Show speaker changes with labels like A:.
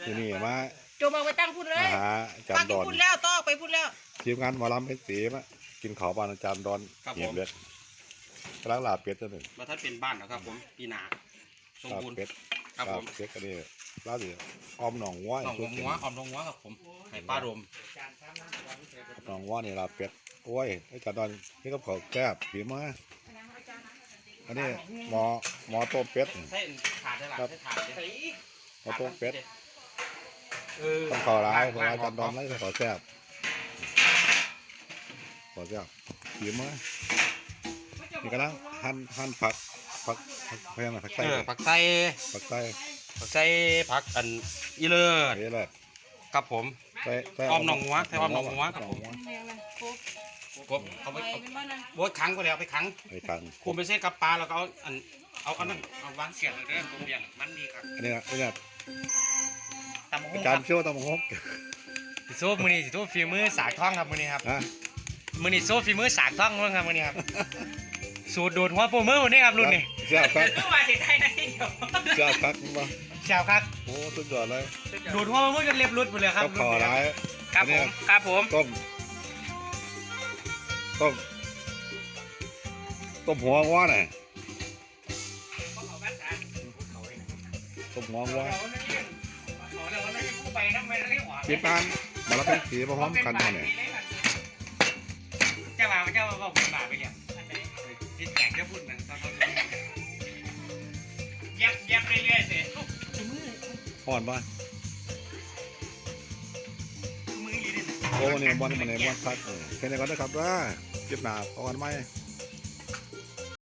A: ที่นี่มา
B: โจมเอาไปตั้งพูดเลย
A: หาอาจาร
B: ปัก
A: ย์
B: กิ
A: ด
B: น
A: อน
B: พูดแล้วต้องไปพูดแล้ว
A: ทีมงานหมอลำเพชรศรีมากินข้าวบ้านอาจารย์ดอนเหียบเล็ดกำลังลาบเป็ดตัวหนึ่ง
C: มาท่านเป็นบ้านนะครับผมปีหนาสม
A: ลาบ
C: บูรณ์
A: เป็ด
C: ครับ
A: ลา
C: ผ
A: บ
C: ม
A: เป็ดก็นี่ลาบดิอ้อมหนองวัว
C: หนองหัวออมหนองหัวครับผมไข่ปลาดม
A: หนองวัวนี่ลาบเป็ดโอ้ยอาจารย์ดอนนี่ก็เขาแก้บผีมาอันนี้หมอต้มเป็ด
C: ใส่ถาดได้หลังใส่ถาดใส่
A: หมอต้มเป็ด
C: เออ
A: ต้องขอร้ายเพราะว่าอาจารย์ดอนไล่ขอแซ่บขอแซ่บผีมานี่กำลังหั่นผักเพียงผักไส้
C: ผักไส้
A: ผักไส้
C: ผักไส้ผักอันอีเลิศ
A: นี่แหละ
C: ครับผม
A: ใส่
C: อ้อมหนองวัวใส่อ้อมหนองวัว
A: หนองวัว
C: ผมเอาไปโบดขังก็แล้วไปขัง
A: ไอ้คัน
C: คุมไปเส้นกับปลาแล้วก็เอานั่นเอาวางเสียบเลยเด้อตรงเบี่ยงมันดีครับ
A: อันนี้
C: ตำ
A: อา
C: หุ้ง
A: จาร
C: ครับ
A: ย์เชื่อว่าต้องมาฮก
D: สิโซ่มือนี้สิโซ่ฝีมือสากท่องครับมือนี้ครับ
A: ฮะ
D: มือนี้โซ่ฝีมือสากท่องเพิ่งครับมือนี้ครับสูตรโดดหัวโปรมือวันนี้ครับรุ่นนี้
A: เชื่อครับ
D: เมื่อวานสิไทยนะที่เดียว
A: เชื่อครับมา
D: ชาวครับ
A: โอ้สุดยอดเลย
D: โดดหัวโปรมือจนเล็บรุดหมดเลยครับ
A: ก็ขอร้าย
D: ครับผมครับผม
A: ต้มหัววัวน่ะต้มหัววัวทีมงานมาแล้วเป็นสีมาพร้อมกันเนี่ย
D: เจ้าบ่าวผมบ่าวไปเนี่ยที่แข่งจะพูดนั่นตอนเย็บเรื่อยๆสิ
A: ห่อนป่ะ
D: มือดีเลย
A: โอ้เนี่ยบอลมันเนี่ยบอลพักแค่นี้ก็ได้ครับว่าเก็บหนาเอากันไหม
D: ค